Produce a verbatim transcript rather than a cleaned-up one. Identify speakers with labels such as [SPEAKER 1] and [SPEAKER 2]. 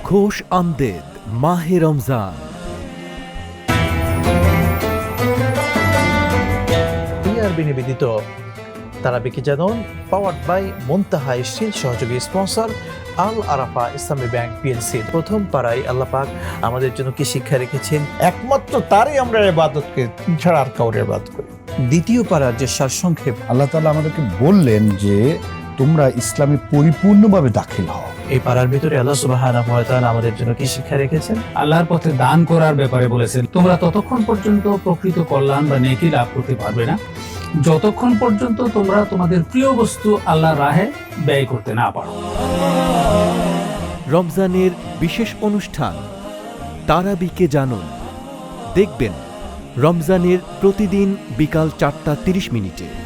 [SPEAKER 1] খোশ আমদেদ মাহে রমজান।
[SPEAKER 2] নিবেদিত তারাবিকে জানুন পাওয়ার্ড বাই মুনতাহা স্টিল, সহযোগী sponsor Al Arafah Islami bank PLC. প্রথম পাড়ায় আল্লাহ পাক আমাদের জন্য কি শিক্ষা রেখেছেন?
[SPEAKER 3] একমাত্র তারই আমরা ইবাদত করি, ছাড়া আর কাউরে ইবাদত করি।
[SPEAKER 2] দ্বিতীয় পাড়ার যে সারসংক্ষেপ,
[SPEAKER 4] আল্লাহ তাআলা আমাদেরকে বললেন যে তোমরা ইসলামে পরিপূর্ণভাবে দাখিল হও।
[SPEAKER 2] এই পাড়ার ভিতরে আল্লাহ সুবহানাহু ওয়া তাআলা আমাদের জন্য কি শিক্ষা রেখেছেন?
[SPEAKER 5] আল্লাহর পথে দান করার ব্যাপারে বলেছেন, তোমরা ততক্ষণ পর্যন্ত প্রকৃত কল্যাণ বা নেকি লাভ করতে পারবে না যতক্ষণ পর্যন্ত তোমরা তোমাদের প্রিয় বস্তু আল্লাহর রাহে ব্যয় করতে না পারো।
[SPEAKER 1] রমজানের বিশেষ অনুষ্ঠান তারাবিকে জানুন, দেখবেন রমজানের প্রতিদিন বিকাল চারটা তিরিশ মিনিটে।